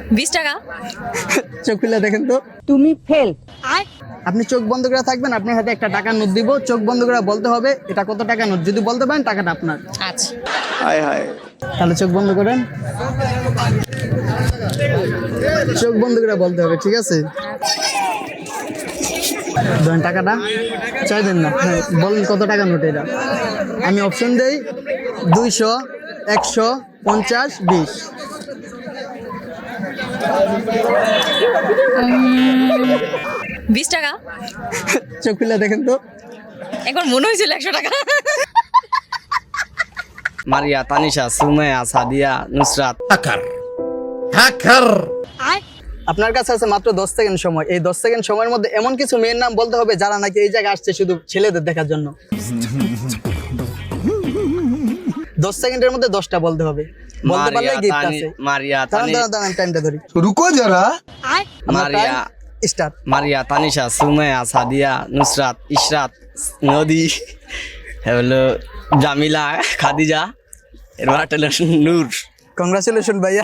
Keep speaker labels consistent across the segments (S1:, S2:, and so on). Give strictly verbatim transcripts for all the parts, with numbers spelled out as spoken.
S1: বিশ টাকা।
S2: চোখ খুলে দেখেন তো।
S3: তুমি ফেল।
S2: আপনি চোখ বন্ধ করে থাকবেন, আপনার হাতে একটা টাকার নোট দিব, চোখ বন্ধ করে বলতে হবে এটা কত টাকা নোট। যদি বলতে পারেন টাকাটা আপনার।
S1: আচ্ছা,
S4: হায় হায়
S2: তাহলে চোখ বন্ধ করেন, চোখ বন্ধ করে বলতে হবে, ঠিক আছে? ধরেন টাকাটা, চাইবেন না, হ্যাঁ বলেন কত টাকা নোট এটা। আমি অপশন দেই দুইশো, একশো, পঞ্চাশ, বিশ।
S1: বিশ টাকা।
S2: চোখ খুলে দেখেন তো।
S1: একবার মনে হয়েছিল একশো টাকা।
S4: মারিয়া, তানিশা, সুমাইয়া, সাদিয়া, নুসরাত।
S2: আপনার কাছে আছে মাত্র দশ সেকেন্ড সময়। এই দশ সেকেন্ড সময়ের মধ্যে এমন কিছু মেয়ের নাম বলতে হবে যারা নাকি এই জায়গায় আসছে শুধু ছেলেদের দেখার জন্য। দশ সেকেন্ডের মধ্যে দশটা বলতে হবে, বলতে পারলে
S4: মারিয়া,
S2: গিফট
S4: তানি-
S2: আছে।
S4: মারিয়া,
S2: দাঁড়ান
S4: তানি-
S2: দাঁড়ান দাঁড়ান, টাইমটা ধরি।
S5: रुको जरा
S4: মারিয়া,
S2: স্টার্ট।
S4: মারিয়া, তানিশা, সুমাইয়া, সাদিয়া, নুসরাত, ইশরাত, নদী, হলো জামিলা, খাদিজা, এরপর একটা হলো নূর।
S2: কংগ্রাচুলেশন ভাইয়া,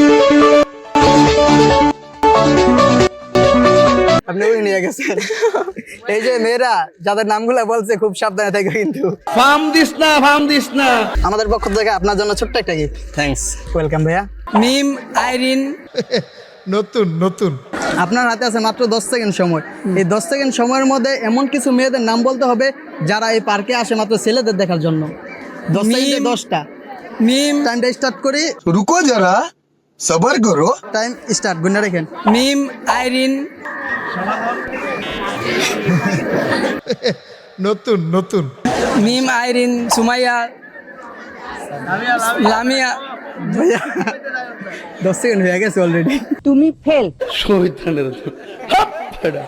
S2: আপনি ওই নিয়ে গেছেন। এই যে মেয়েরা যাদের নামগুলো বলছে খুব সাবধানে থাকে কিন্তু।
S5: फार्म दिस ना फार्म दिस ना
S2: আমাদের পক্ষ থেকে আপনার জন্য ছোট্ট একটা গিফট।
S4: থ্যাঙ্কস।
S2: ওয়েলকাম ভাইয়া।
S3: মিম আইরিন।
S5: নতুন নতুন
S2: আপনার হাতে আছে মাত্র দশ সেকেন্ড সময়। এই দশ সেকেন্ড সময়ের মধ্যে এমন কিছু মেয়েদের নাম বলতে হবে যারা এই পার্কে আসে মাত্র ছেলেদের দেখার জন্য। দশ সেকেন্ডে দশটা।
S3: মিম
S2: টাইমটা স্টার্ট করি,
S5: रुको जरा सबर करो
S2: টাইম স্টার্ট, গুণা রেখেন।
S3: মিম আইরিন।
S5: নতুন নতুন
S3: মিম আইরিন সুমাইয়া লামিয়া।
S2: ভাইয়া দশ সেকেন্ড হয়ে গেছে অলরেডি।
S3: তুমি ফেল।